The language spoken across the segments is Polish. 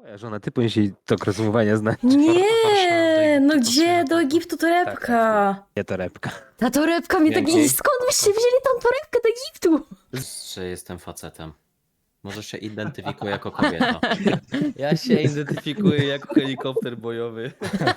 Moja żona, ty powinieneś jej tok rozumowania znać. Nie, no Egiptu, gdzie? to Do co? Egiptu torebka. Nie torebka. Ta torebka mnie tak... Dzięki. Skąd byście wzięli tą torebkę do Egiptu? Że jestem facetem. Może się identyfikuję jako kobieta. Ja się identyfikuję jako helikopter bojowy.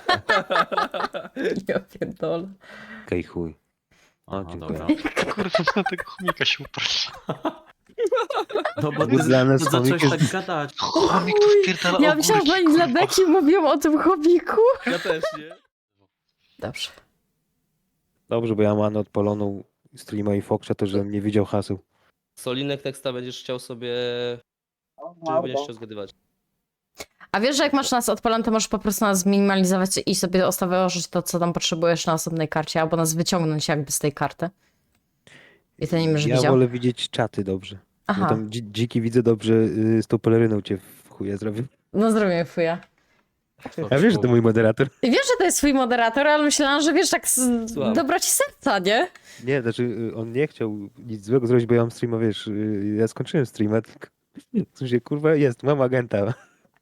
Ja pierdolę. Okej, chuj. Aha, dziękuję. dobra. Kurwa, na tego chomika się uparł. No bo Ty dla nas zacząłeś chomik tak gadać. Chomik tu wpierdala Ja myślałam, że oni dla Beki mówią o tym chomiku. Ja też, nie? Dobrze. Dobrze, bo ja mam odpaloną streama i Foxa, to żebym nie widział haseł. Solinek teksta będziesz chciał sobie... Czy będziesz chciał zgadywać? A wiesz, że jak masz nas odpalone, to możesz po prostu nas zminimalizować i sobie ustawić to, co tam potrzebujesz na osobnej karcie, albo nas wyciągnąć jakby z tej karty. I to nie będziesz Ja widział. wolę widzieć czaty dobrze. Bo Aha, tam dziki widzę dobrze, z tą peleryną cię w chuja zrobił. no zrobię fuja. Ja wiesz, że to mój moderator. I wiesz, że to jest twój moderator, ale myślałam, że wiesz, tak z Słucham. dobroci serca, nie? Nie, znaczy on nie chciał nic złego zrobić, bo ja mam streama, wiesz, ja skończyłem streama, tylko w sensie, kurwa, mam agenta.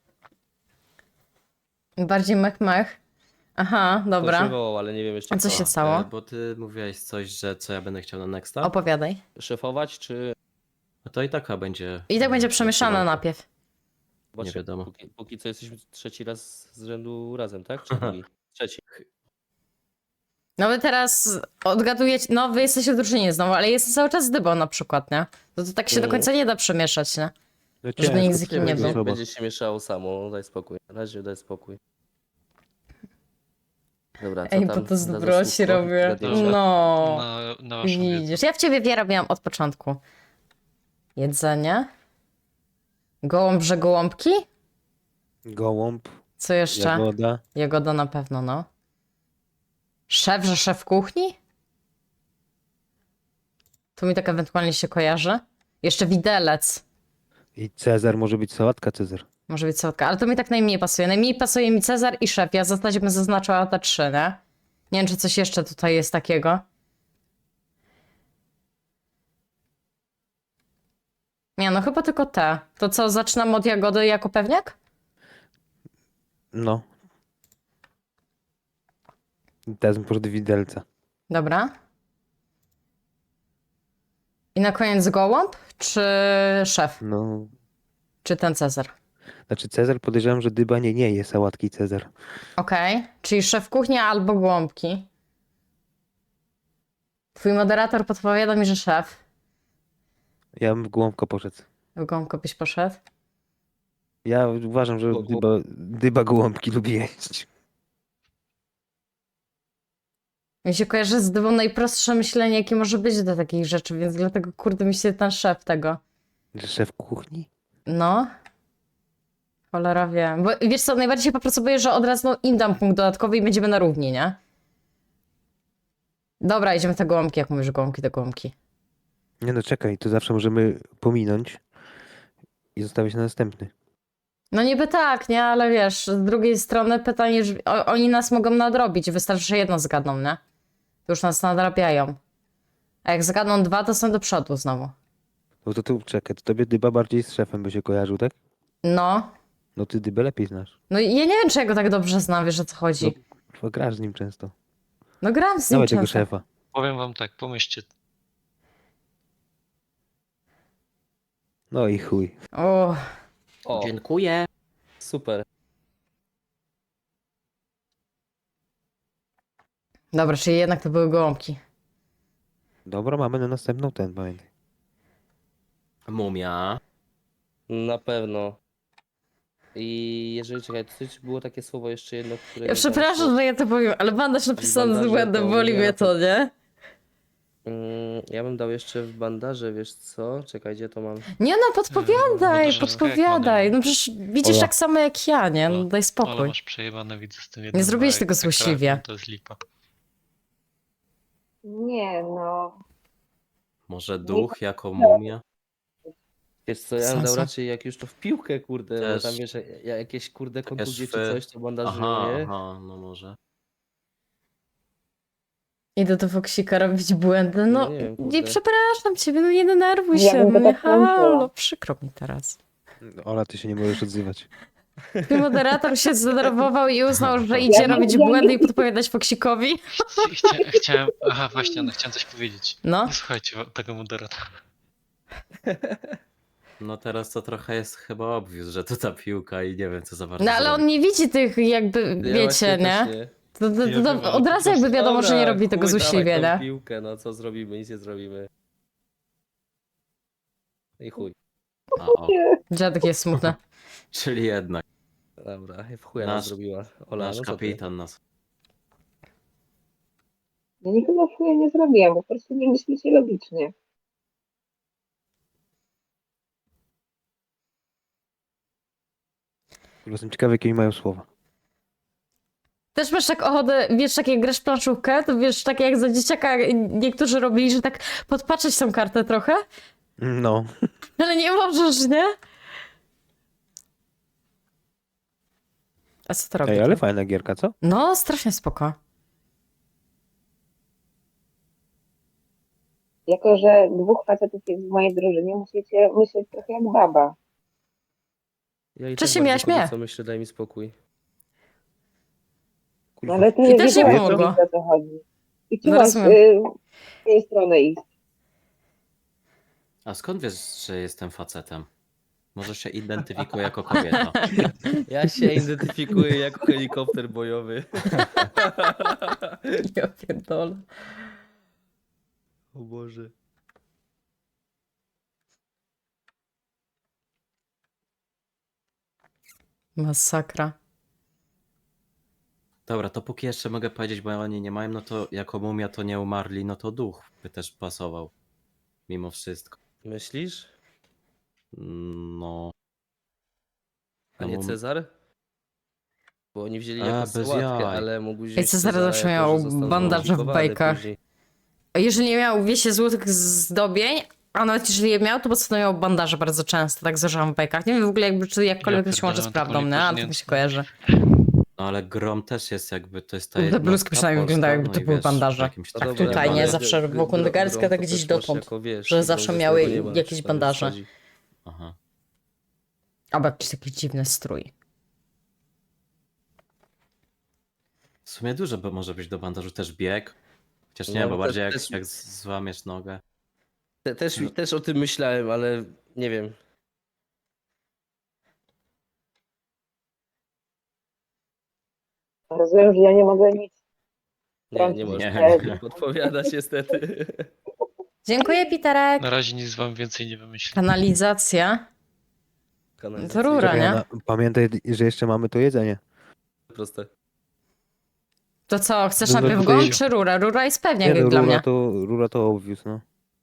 Bardziej mech. Aha, Ktoś dobra. mnie wołał, ale nie wiem jeszcze A co kto. się stało? Bo ty mówiłeś coś, że co ja będę chciał na Nexta. Opowiadaj. Szefować, czy... No to i taka będzie. I tak będzie przemieszane najpierw. Zobaczcie, wiadomo. Póki co jesteśmy trzeci raz z rzędu razem, tak? Czy drugi? Trzeci. No wy teraz odgadujecie, no wy jesteście w drużynie znowu, ale jest cały czas dybą na przykład, nie? To tak się do końca nie da przemieszać, nie? No Żeby ciężko, nikt z nikim nie ciężko był. osoba. Będzie się mieszało samo, daj spokój. Na razie daj spokój. Dobra, co Ej, tam? bo to z za dobroci zasłówko? robię. Zgadniecie? No, na waszą wiedzę. widzisz. Ja w ciebie wiarę miałam od początku. Jedzenie. Gołąb, że gołąbki? Gołąb, Co jeszcze? jagoda. Jagoda na pewno, no. Szef, że szef kuchni? Tu mi tak ewentualnie się kojarzy. Jeszcze widelec. I Cezar, może być sałatka Cezar. Może być sotka, ale to mi tak najmniej pasuje. Najmniej pasuje mi Cezar i szef. Ja w zasadzie bym zaznaczyła te trzy, nie? Nie wiem, czy coś jeszcze tutaj jest takiego. Nie, no chyba tylko te. To co, zaczynam od jagody jako pewniak? No. I teraz bym poszedł do widelca. Dobra. I na koniec gołąb, czy szef? No, Czy ten Cezar? znaczy Cezar podejrzewam, że dyba nie je sałatki Cezar. Okej, czyli szef kuchni albo gołąbki. Twój moderator podpowiada mi, że szef. Ja bym w gołąbka poszedł. W gołąbko byś poszedł? Ja uważam, że dyba gołąbki lubi jeść. Mi się kojarzy z dybą najprostsze myślenie, jakie może być do takich rzeczy, więc dlatego kurde mi się ten szef tego. Że szef kuchni? No. Cholera wie. Bo wiesz co, najbardziej się po prostu boję, że od razu im dam punkt dodatkowy i będziemy na równi, nie? Dobra, idziemy w te gołąbki, jak mówisz gołąbki, to gołąbki. Nie no, czekaj, to zawsze możemy pominąć i zostawić na następny. No niby tak, nie? Ale wiesz, z drugiej strony pytanie, że oni nas mogą nadrobić, wystarczy, że jedno zgadną, nie? To już nas nadrabiają. A jak zgadną dwa, to są do przodu znowu. No to tu czekaj, to tobie dyba bardziej z szefem by się kojarzył, tak? No. No ty dybę lepiej znasz. No i ja nie wiem, czy ja go tak dobrze znam, wiesz o co chodzi. Bo grasz z nim często. No gram z nim Dawaj tego często. szefa. Powiem wam tak, pomyślcie. No i chuj. O, O, Dziękuję. super. dobra, czyli jednak to były gołąbki. Dobra, mamy na następną ten, pamiętaj. Mumia. Na pewno. I jeżeli, czekaj, coś było takie słowo jeszcze jedno, które... Ja przepraszam, że ja to powiem, ale bandaż napisany z bandaże błędem, to boli nie mnie na to, nie? Ja bym dał jeszcze w bandaże, wiesz co? Czekaj, gdzie to mam? Nie no, podpowiadaj, bandaże podpowiadaj. jak No przecież widzisz Ola. tak samo jak ja, nie? No daj Ale spokój. masz przejebane, widzę z tym jednym. zrobiłeś tego ekran, złośliwie. To jest lipa. Nie no, Może duch jako mumia? Wiesz co, ja bym dał Sensu. raczej jak już to w piłkę, kurde, bo Też. tam wiesz, jakieś kurde kontuzje czy szwy. coś, to bandażują, Aha, nie? aha, no może. Idę do Foksika robić błędy, no No nie wiem, nie kurde. przepraszam ciebie, no nie denerwuj Ja się, bym no go nie tak włączyła. halo, przykro mi teraz. Ola, ty się nie możesz odzywać. Twój moderator się zdenerwował i uznał, że idzie robić błędy i podpowiadać Foksikowi. Chciałem. Aha, właśnie, no chciałem coś powiedzieć. No. Nie słuchajcie tego moderatora. No teraz to trochę jest chyba obvious, że to ta piłka i nie wiem co za bardzo No ale on zrobić. nie widzi tych jakby, Ja wiecie, właśnie nie? też nie. To od razu jakby wiadomo, że nie Dobra, robi tego chuj, dawaj złośliwie, tą nie? piłkę, no co zrobimy, nic nie zrobimy. I chuj. A, o, Dziadek jest smutny. czyli jednak Dobra, w chuja nas Nasz- zrobiła. Ola, nasz no co ty? kapitan nas. Ja nikogo chuja nie zrobiłam, po prostu nie myślicie logicznie. Kurwa, jestem ciekawy, jakie mają słowa. Też masz tak ochotę, wiesz, tak jak grasz w planszówkę, to wiesz, tak jak za dzieciaka niektórzy robili, że tak podpatrzeć tą kartę trochę, No. ale nie możesz, nie? A co to robi? Ej, ale fajna gierka, co? No, strasznie spoko. Jako, że dwóch facetów jest w mojej drużynie, musicie myśleć trochę jak baba. Ja i Czy tak się bardzo miałaś, mnie? co myślę, daj mi spokój. No, ale to I jest też nie wiadomo, pomogło. o co chodzi. I No, czułaś rozumiem. z tej strony iść. A skąd wiesz, że jestem facetem? Może się identyfikuję jako kobieta. Ja się identyfikuję jako helikopter bojowy. Ja pierdolę. O Boże. Masakra. Dobra, to póki jeszcze mogę powiedzieć, bo oni nie mają, no to jako mumia to nie umarli, no to duch by też pasował. Mimo wszystko. Myślisz? No. A nie No, Cezar? Bo oni wzięli A, jako bez sałatkę, jaj. ale mógł wziąć Ej, Cezar Cezara zawsze jako, miał że został bandaże w zmodyfikowany bajkach. później. A jeżeli nie miał, wiecie, złotych zdobień, a nawet jeżeli je miał, to po co to miał bandaże bardzo często, tak zażałam w bajkach. Nie wiem w ogóle jakby, czy jakkolwiek to się łączy z pierdolę, taką prawdą, nie? Ale tak mi się kojarzy. No ale grom też jest jakby, to jest ta Te jednostka bluzki przynajmniej polska, wyglądają, jakby no to i były wiesz, bandaże. w jakimś No trakcie dobra, Tutaj, nie? ale- Zawsze grom wokół to tak też gdzieś masz dotąd, jako, wiesz, że no, zawsze że z miały tego nie ma, jakieś czy tam bandaże. wchodzi. Aha. Albo jakiś taki dziwny strój. W sumie dużo bo może być do bandażu, też bieg. Chociaż nie, No, bo też- bardziej jak, też- jak złamiesz nogę. Też o tym myślałem, ale nie wiem. Rozumiem, że ja nie mogę nic. Nie możesz Nie. podpowiadać niestety. Dziękuję, Piterek. Na razie nic wam więcej nie wymyślę. Kanalizacja. Kanalizacja. To rura, nie? Czekaj, pamiętaj, że jeszcze mamy to jedzenie. Proste. To co, chcesz No, najpierw tutaj- gąb czy rurę? Rura jest pewnie Nie, jak no, dla mnie. rura to obvious, no.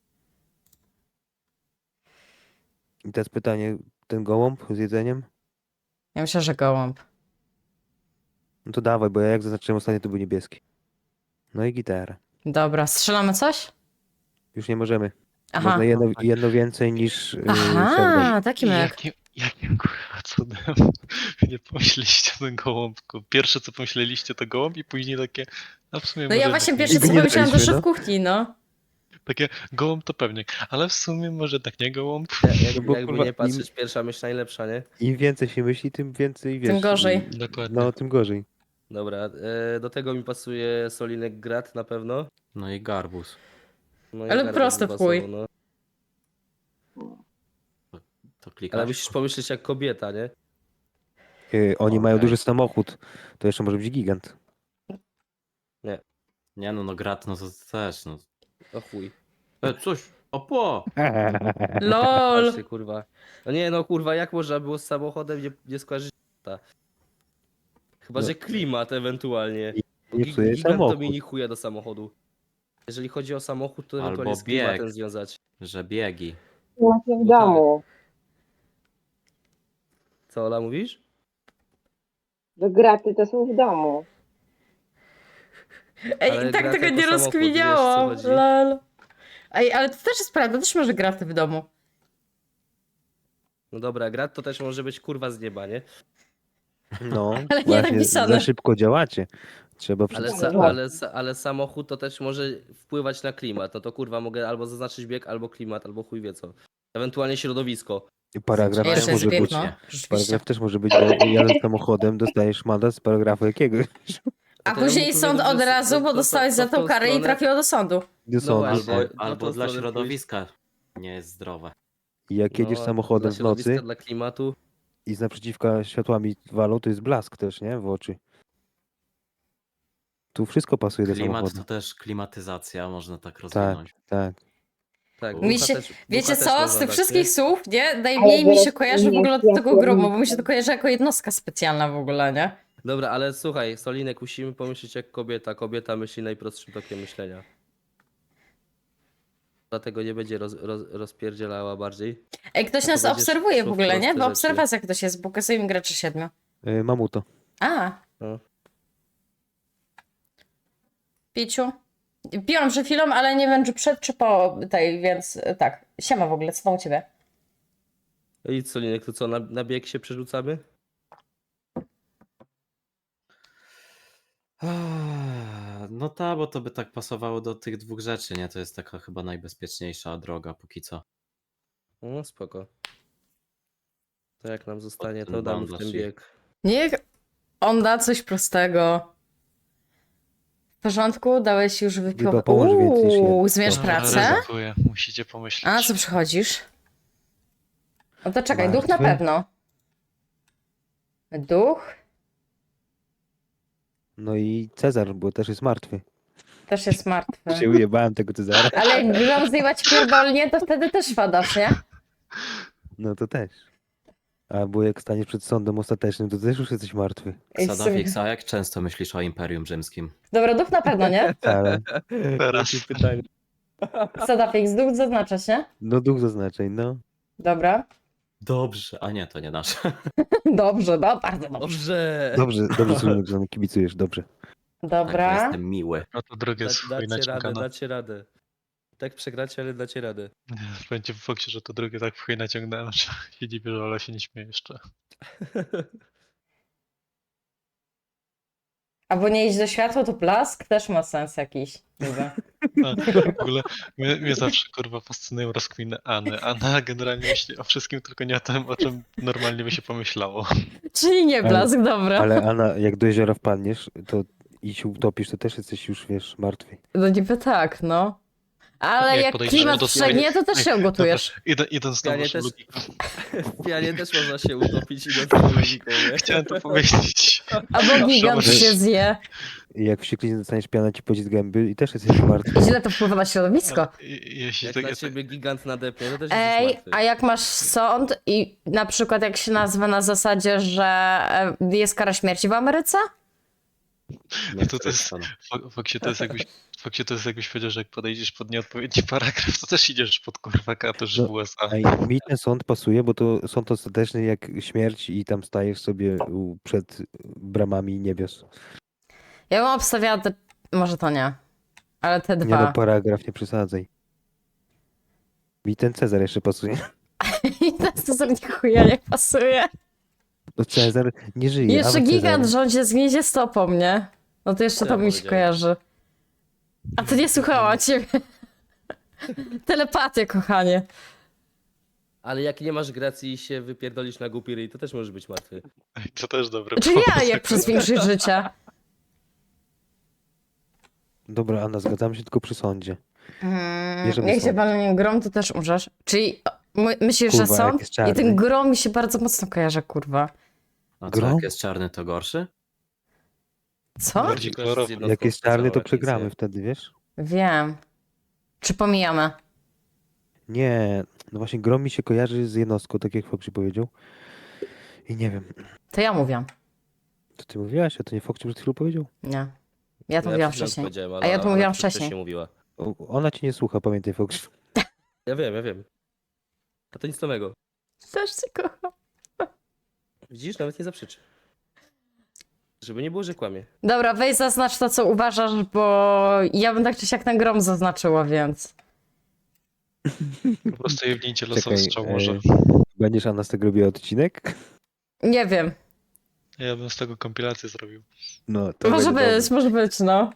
I teraz pytanie, ten gołąb z jedzeniem? Ja myślę, że gołąb. No to dawaj, bo ja jak zaznaczyłem ostatnio, to był niebieski. No i gitara. Dobra, strzelamy coś? Już nie możemy. Aha. Można jedno więcej niż Sheldon. Aha, taki myk. Jakim kurwa cudem nie pomyśleliście o tym gołąbku? Pierwsze co pomyśleliście to gołąb i później takie, a w sumie No może ja jednak właśnie nie. pierwsze co nie pomyślałam, to daliśmy, szef no. kuchni, no. Takie gołąb to pewnie, ale w sumie może tak nie gołąb. No bo, Jakby kurwa, nie patrzeć, pierwsza myśl najlepsza, nie? Im więcej się myśli, tym więcej wiesz. Tym gorzej. Dokładnie. No, tym gorzej. Dobra, do tego mi pasuje solinek grat na pewno. No i garbus. No i Ale garbus proste by w chuj. pasował, no. To klikasz? Ale musisz pomyśleć jak kobieta, nie? Oni mają Okej. duży samochód. To jeszcze może być gigant. Nie no grat, no to też, no. O chuj. Coś, opo! LOL. Patrzcie, kurwa. No nie, no kurwa, jak można było z samochodem nie skojarzyć ta. Chyba, No. że klimat ewentualnie. Bo Nie psuje Gigant to samochód. mi nie chuja do samochodu. Jeżeli chodzi o samochód, to Albo ewentualnie z bieg. klimatem związać. Że biegi. Macie w No tak. domu, Co, Ola, mówisz? że graty to są w domu. Ej, Ale i tak gra tego jako nie samochód, rozkminiałam. wiesz, o co chodzi? LOL. Ej, ale to też jest prawda, też może graty w domu. No dobra, grat to też może być kurwa z nieba, nie? No, Ale nie właśnie, napisane. za szybko działacie. Trzeba Ale, przeczytać. ale samochód to też może wpływać na klimat. No to kurwa mogę albo zaznaczyć bieg, albo klimat, albo chuj wie co. Ewentualnie środowisko. Paragraf Jeszcze też jest może bieg, być. no. Nie. Rzeczywiście. Paragraf też może być, bo jadąc samochodem dostajesz mandat z paragrafu jakiegoś. A To ja później bym sąd powiedział, od że razu, bo to dostałeś za w tą tą karę i stronę- trafiło do sądu. Do sądu. właśnie. Albo, Na albo tą dla stronę środowiska nie jest zdrowe. I jak jedziesz No, samochodem dla w nocy środowiska, dla klimatu. i z naprzeciwka światłami walą, to jest blask też, nie? W oczy. Tu wszystko pasuje do Klimat samochodu. to też klimatyzacja, można tak Tak, rozwinąć. tak. Tak, Mi ducha się- też, Wiecie ducha też co, z można tych dać, wszystkich nie? słów, nie? Najmniej Ale mi się zaraz kojarzy w ogóle od ja tego gromu, bo pierdolę. mi się to kojarzy jako jednostka specjalna w ogóle, nie? Dobra, ale słuchaj, Solinek, musimy pomyśleć jak kobieta. Kobieta myśli najprostszym tokiem myślenia. Dlatego nie będzie rozpierdzielała bardziej. Ej, ktoś To nas będziesz obserwuje w szło w ogóle, nie? proste W rzeczy. obserwacjach ktoś jest, pokazuje mi graczy 7. Mamuto. A. No. Piciu. Piłam przed chwilą, ale nie wiem, czy przed, czy po tej, więc tak. Siema w ogóle, co tam u ciebie? I Solinek, to co, na bieg się przerzucamy? No tak, bo to by tak pasowało do tych dwóch rzeczy, nie? To jest taka chyba najbezpieczniejsza droga póki co. No spoko. To jak nam zostanie, ten to damy w bandaż ten i- bieg. Niech on da coś prostego. W porządku? Dałeś już Chyba wypiłować. pomóż więcej niż ja. Zmierz Dobra, pracę? Ryzykuję, musicie pomyśleć. A na co przychodzisz? No to czekaj, duch na Martwy? pewno. Duch No i Cezar, bo też jest martwy. też jest martwy. Się ujebałem tego Cezara. Ale jak grom zjebać pierdolnie, to wtedy też padasz, nie? No to też. Albo jak staniesz przed sądem ostatecznym, to też już jesteś martwy. Ej, w sumie- Sadafix, a jak często myślisz o Imperium Rzymskim? Dobra, duch na pewno, nie? Ale Teraz. Jakie pytanie. Sadafix, duch zaznaczasz, nie? no duch zaznaczeń, no. Dobra. Dobrze. A nie, to nie nasze. Dobrze, no, bardzo dobrze. Dobrze. Dobrze Słynek, że nam kibicujesz, dobrze. Tak, bo Dobra. jestem miły. No to drugie jest chuj Dacie radę, naciągane. dacie radę. Tak przegracie, ale dacie radę. Będzie w fakcie, że to drugie tak w chuj naciągnąłem, że się dziwię, że Ola się nie śmieje jeszcze. Albo nie iść do światła, to blask też ma sens jakiś. Niby. No, w ogóle mnie zawsze kurwa fascynują rozkminyAny. Anna generalnie myśli o wszystkim, tylko nie o tym, o czym normalnie by się pomyślało. Czyli nie blask, dobra. Ale Anna, jak do jeziora wpadniesz, to i się utopisz, to też jesteś już, wiesz, martwy. No niby tak, no. Ale Jak jak podejdziesz klimat do swojej- przegnie, to też się ugotujesz. Idąc na Pianie waszą też- logikę. W pianie też można się utopić idąc tą logiką, nie? Chciałem to powiedzieć. Albo gigant Zobacz. się zje. I jak w wściekliźnie dostaniesz piana ci pocisk gęby i też jesteś martwy. Źle to wpływa na środowisko. Jeśli Jak tak, na ciebie gigant nadepnie, to też Ej, jesteś martwy. a jak masz sąd i na przykład jak się nazwa na zasadzie, że jest kara śmierci w Ameryce? Nie to chcę jest- stanu. fakcie to jest jakbyś powiedział, że jak podejdziesz pod nieodpowiedni paragraf, to też idziesz pod kurwa katusz No, w USA. A mi ten sąd pasuje, bo to sąd ostateczny jak śmierć i tam stajesz sobie przed bramami niebios. Ja bym obstawiała te... Może to nie. Ale te Nie no, dwa. paragraf, nie przesadzaj. Mi ten Cezar jeszcze pasuje. I to sobie nie chuja nie pasuje. No Cezar nie żyje. Jeszcze ale gigant Cezar... rządzi zgniezie stopą, nie? No to jeszcze Co to ja mi się powiedziałem? kojarzy. A to nie słuchała ciebie. Telepatię, kochanie. Ale jak nie masz gracji i się wypierdolisz na głupi ryj, to też możesz być martwy. To też dobre. Czy ja, jak przez większość życia. Dobra, Anna, zgadzamy się tylko przy sądzie. Bierzemy Jak się sąd. walnie grom, to też umrzesz. Czyli myślisz, że Kurwa, jak sąd? jest I czarny. ten grom mi się bardzo mocno kojarzy, kurwa. A co, Grom? jak jest czarny, to gorszy? Co? Bardziej kolorowy. Jak jest czarny, to specjalną przegramy edycję. wtedy, wiesz? Wiem. Czy pomijamy? Nie, no właśnie grom mi się kojarzy z jednostką, tak jak Foxy powiedział. I nie wiem, To ja mówię. to ty mówiłaś, a to nie Foxy przed chwilą powiedział? Nie. Ja to No mówiłam przed chwilą wcześniej. powiedziałem, A ja to mówiłam przecież wcześniej. mówiła. Ona cię nie słucha, pamiętaj Foxy. Ja wiem. A to nic nowego. Też cię kocham. Widzisz, nawet nie zaprzeczy. Żeby nie było, że kłamie. Dobra, weź zaznacz to, co uważasz, bo ja bym tak czy siak ten grom zaznaczyła, więc... Po prostu jebnijcie losową Czekaj, strzał może. będziesz Anna z tego robiła odcinek? Nie wiem. Ja bym z tego kompilację zrobił. No, to Może będzie być, może być, no.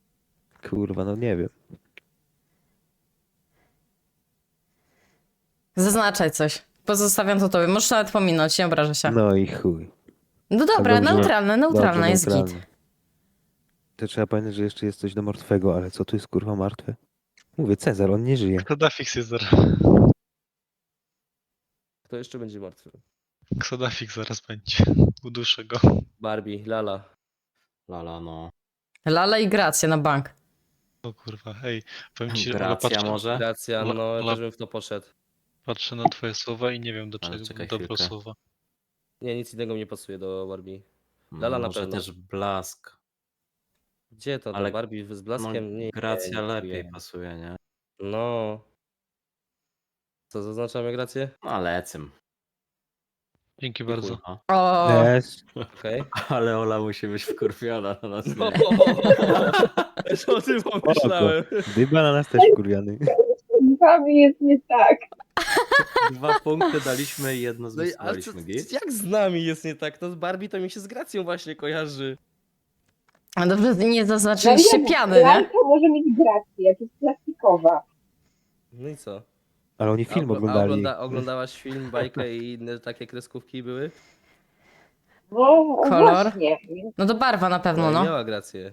dobre. Kurwa, no nie wiem. Zaznaczaj coś. Pozostawiam to tobie. Możesz nawet pominąć, nie obrażę się. No i chuj. No dobra, dobrze. neutralne Dobrze, jest git. neutralnie. To trzeba pamiętać, że jeszcze jest coś do martwego, ale co tu jest kurwa martwe? Mówię, Cezar, on nie żyje. Ksodafix jest zaraz. Kto jeszcze będzie martwy? Ksodafix zaraz będzie. Uduszę go. Barbie, Lala. Lala, no. Lala i Gracja na bank. O kurwa, hej. Powiem ci, Ola, Gracja może? Gracja, La- no ja la- też bym w to poszedł. patrzę na twoje słowa i nie wiem do Ale czego czekaj dobro chwilkę. słowa. Nie, nic innego mi nie pasuje do Barbie. Lala na Może pewno. też Blask. Gdzie to? Ale- Do Barbie z No, blaskiem? Nie, Gracja nie lepiej pasuje. pasuje, nie? No. Co, zaznaczamy Grację? No, lecym. Dzięki I bardzo. chuj, O, Yes. Okej. Ale Ola musi być wkurwiona na nas. No, nie? też o tym pomyślałem. Dyba na nas też kurwiany. Z wami jest nie tak. 2 punkty daliśmy i jedno No i, ale co, zmisowaliśmy, git? jak z nami jest nie tak? No z Barbie to mi się z Gracją właśnie kojarzy. a dobrze, że nie zaznaczyliście piany, nie? Lalka może mieć grację, jak jest plastikowa. No i co? Ale oni film A oglądali. oglądałaś film, bajkę i inne takie kreskówki były? No Kolor? właśnie. Więc No to barwa na pewno, i no. miała Grację.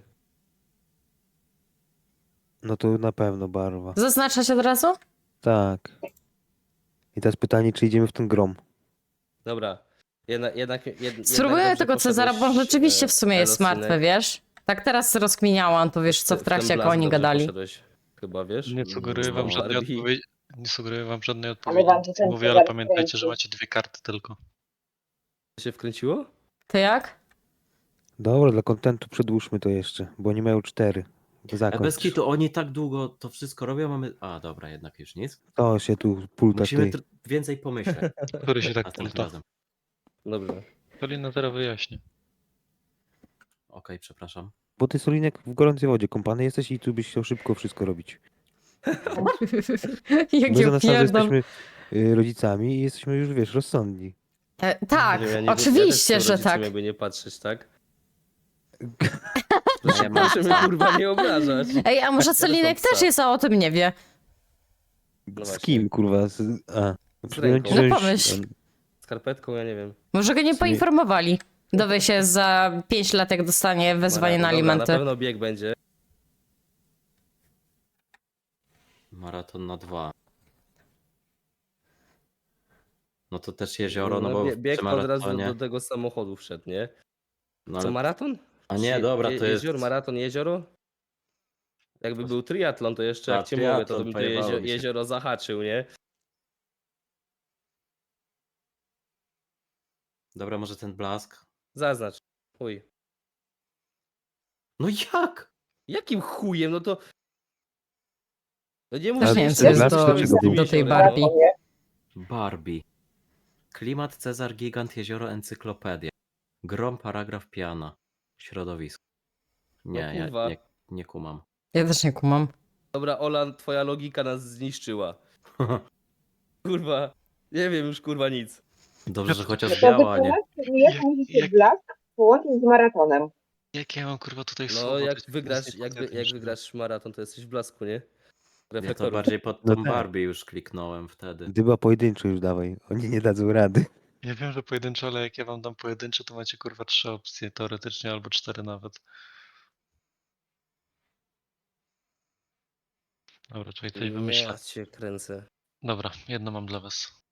No to na pewno barwa. Zaznaczać od razu? Tak. I teraz pytanie, czy idziemy w ten grom. Dobra. Jednak Spróbuję dobrze tego Cezara, bo on poszedłeś, rzeczywiście w sumie jest Elosinek. martwy, wiesz? Tak teraz rozkminiałam to, wiesz, co w Ten trakcie, jak blask oni dobrze gadali. poszedłeś, chyba, wiesz? Nie sugeruję wam No, żadnej Barbie. odpowiedzi. Nie sugeruję wam żadnej Ale odpowiedzi. wam się ten Mówię, ale Cezar pamiętajcie, że wkręcił. macie 2 karty tylko. się wkręciło? Ty jak? Dobra, dla kontentu przedłużmy to jeszcze, bo oni mają 4. To A zakończ. bez kitu, oni tak długo to wszystko robią, mamy... A, dobra, jednak już nic. To się tu pulta Musimy ty. więcej pomyśleć Który się tak następnym pulta. razem. Dobrze. Polina teraz wyjaśni. Okej, przepraszam. Bo ty Solinek w gorącej wodzie kąpany jesteś i tu byś chciał szybko wszystko robić. My Jakie za nas pierdol. jesteśmy rodzicami i jesteśmy już, wiesz, rozsądni. Tak, Nie wiem, ja oczywiście, też że rodzicem, tak. Jakby nie patrzeć, tak? Nie ma Proszę mnie kurwa nie obrażać. Ej, a może Ja też mam Solinek psa. też jest, a o tym nie wie. No Z właśnie. kim, kurwa? Przypomnę ci, ręką. że No już- pomyśl. Skarpetką, ja nie wiem. Może go nie sumie- poinformowali. Dowie się za 5 lat, jak dostanie wezwanie na Dobra, alimenty. na pewno bieg będzie. Maraton na 2. No to też jezioro, no bo bieg przy od razu maratonie... do tego samochodu wszedł, nie? No, Co, ale... maraton? A nie, dobra, to jest... Jezioro, maraton, jezioro? Jakby był triatlon, to jeszcze A, jak cię mówię, to triatlon, bym to pojebało mi się. jezioro zahaczył, nie? Dobra, może ten blask? Zaznacz. Chuj. No jak? Jakim chujem? No to... No nie Też musisz nie wiem, nic co jest Blask do, dlaczego był? do tej jeziora, Barbie. no. Nie? Barbie. Klimat, Cezar, gigant, jezioro, encyklopedia. Grom, paragraf, piana. Środowisko. Nie, No kurwa. ja nie kumam. Ja też nie kumam. Dobra, Ola, twoja logika nas zniszczyła. Kurwa. Nie wiem już kurwa nic. Dobrze, że No chociaż to biała, nie? wytłumaczcie mi, jak musicie jak- blask połączyć z maratonem. Jak ja mam kurwa tutaj No słowo? jak to jest wygrasz, nic jak nie wygrasz maraton, to jesteś w blasku, nie? Nie, to Reflektorów. bardziej pod No tą tak. Barbie już kliknąłem wtedy. Dyba pojedynczo już dawaj. Oni nie dadzą rady. Ja wiem, że pojedynczo, ale jak ja wam dam pojedyncze, to macie kurwa 3 opcje teoretycznie, albo 4 nawet. Dobra, czekaj, coś wymyślę. Ja cię kręcę. Dobra, jedno mam dla was.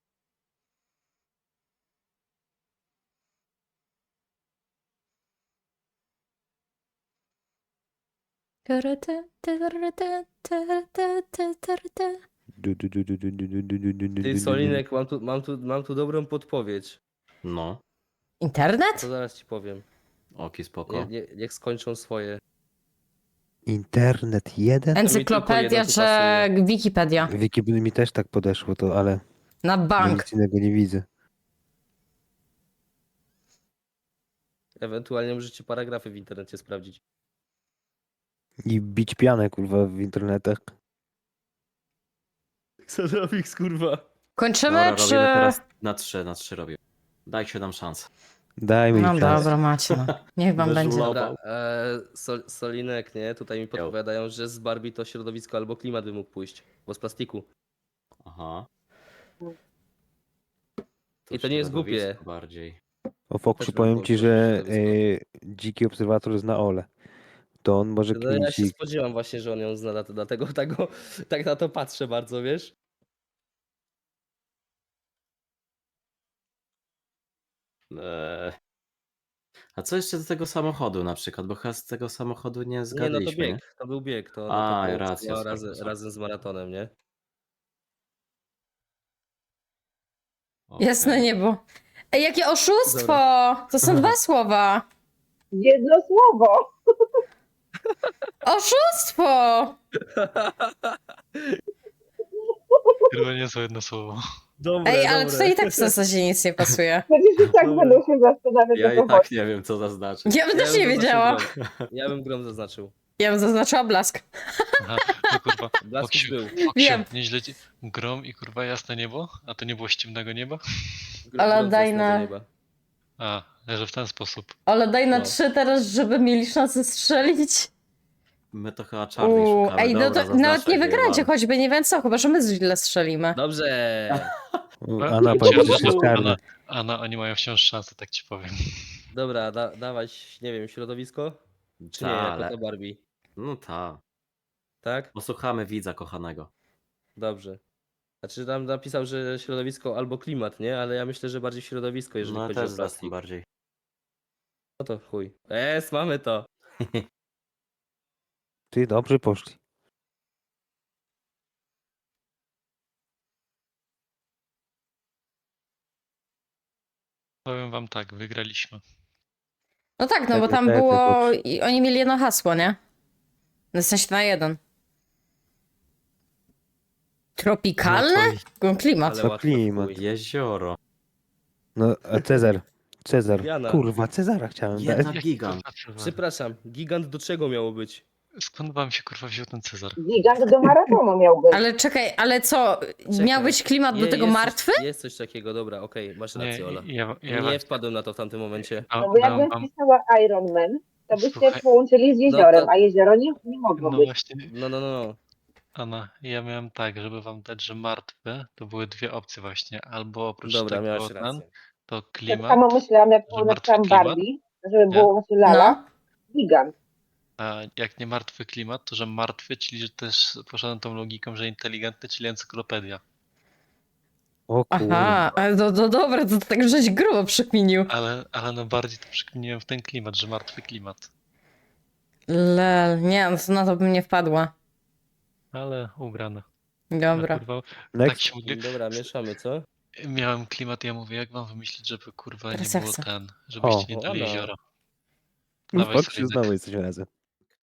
Ty Solinek, mam tu dobrą podpowiedź. No, Internet? To zaraz ci powiem. oki spoko. Niech skończą swoje. Internet 1? Encyklopedia jedno tu czy pasuje. Wikipedia? Wikipedia mi też tak podeszło to, ale Na ja bank. nic innego nie widzę. Ewentualnie możecie paragrafy w internecie sprawdzić. I bić pianę, kurwa, w internetach. Xadrofix, kurwa. Kończymy, Dobra, czy... robimy teraz na 3 robię. Dajcie nam szansę. Dajmy No im szansę. dobra, macie. No. Niech wam będzie. Wyżulował. Dobra, Solinek, nie? Tutaj mi podpowiadają, że z Barbie to środowisko albo klimat by mógł pójść. Bo z plastiku. Aha. I to nie jest głupie. środowisko Bardziej. O Foksiu, Też bym powiem było ci, proszę że środowisko. dziki obserwator zna Ole. To on może No ja kminić się ich. spodziewam właśnie, że on ją zna, dlatego tak na to patrzę bardzo, wiesz? A co jeszcze do tego samochodu na przykład? Bo chyba z tego samochodu nie Nie, no to zgadliśmy, nie? bieg, to był bieg, to A, połączyło racja, spoko, spoko. razem z maratonem, nie? Jasne Okej. niebo. Ej, jakie oszustwo! Dobra. To są 2 słowa. Jedno słowo. Oszustwo! Chyba nie jest jedno słowo. Dobre, Ej, ale dobre. tutaj i tak w zasadzie nic nie pasuje. Przecież i tak Dobra. będą się zastanawiać, Ja o co i tak chodzi. nie wiem, co zaznaczyć. Ja bym też nie bym wiedziała. zaznaczył grom. Ja bym grom zaznaczył. Ja bym zaznaczyła blask. Aha, no kurwa. Blaskus Foksiu, był. Wiem. nieźle ci... Grom i kurwa jasne niebo? A to nie było z ciemnego nieba? Ale Grom z daj jasnego na- nieba. A, że w ten sposób. Ale daj na No. 3 teraz, żeby mieli szansę strzelić. My to chyba Charlie szukamy. Ej, no Dobra, to nawet nie zaznaczaj, wygracie, wyjebane. choćby nie wiem co, chyba że my źle strzelimy. Dobrze. Anna powiedziała, że jest Anna, czarna. Anna, oni mają wciąż szansę, tak ci powiem. Dobra, dawać, nie wiem, środowisko? Czy nie, Ta, jako ale... to Barbie? No tak. Tak? Posłuchamy widza kochanego. Dobrze. Znaczy tam napisał, że środowisko albo klimat, nie? Ale ja myślę, że bardziej środowisko, jeżeli No chodzi też o za tym plastik. bardziej. No to chuj. Mamy to. Ty, dobrze poszli. Powiem wam tak, wygraliśmy. No tak, no bo tam Pewnie, było... dobrze. i oni mieli jedno hasło, nie? No w sensie na 1. Tropikalne? Klimat. Ale To łatwo. klimat. chuj. Jezioro. No, a Cezar. Cezar. Jana. Kurwa, Cezara chciałem dać. Jedna Jak, gigant. kurwa, Cezar? Przepraszam, gigant do czego miało być? Skąd wam się kurwa wziął ten Cezar? Gigant do maratonu miał być. Ale czekaj, ale co? Czekaj. Miał być klimat do tego jest martwy? Jest coś takiego, dobra, okej, masz Nie, rację, Ola. ja Nie wpadłem na to w tamtym momencie. No bo jakbym wpisała Iron Man, to byście Słuchaj. połączyli z jeziorem, No to- a jezioro nie mogło No być. właśnie, No. Anna, ja miałem tak, żeby wam dać, że martwe, to były dwie opcje właśnie. Albo oprócz Dobra, tego miałeś ten, rację. to Tak klimat, samo myślałam, jak że napisałam martwy klimat? Barbie, żeby było właśnie lala, No. gigant. a jak nie martwy klimat, to że martwy, czyli że też poszedłem tą logiką, że inteligentny, czyli encyklopedia. O kurwa. Aha, ale to dobre, to tak żeś grubo przekminił. Ale no bardziej to przekminiłem w ten klimat, że martwy klimat. Lel, nie, no to na to bym nie wpadła. Ale ubrane. Dobra. Kurwa, tak Next. się modli... Dobra, mieszamy, co? Miałem klimat, ja mówię, jak wam wymyślić, żeby kurwa Teraz nie ja było chcę. ten, żebyście nie O, dali Anna. jeziora. No Dawaj Foksiu, sobie znowu Zyk. jesteśmy razem.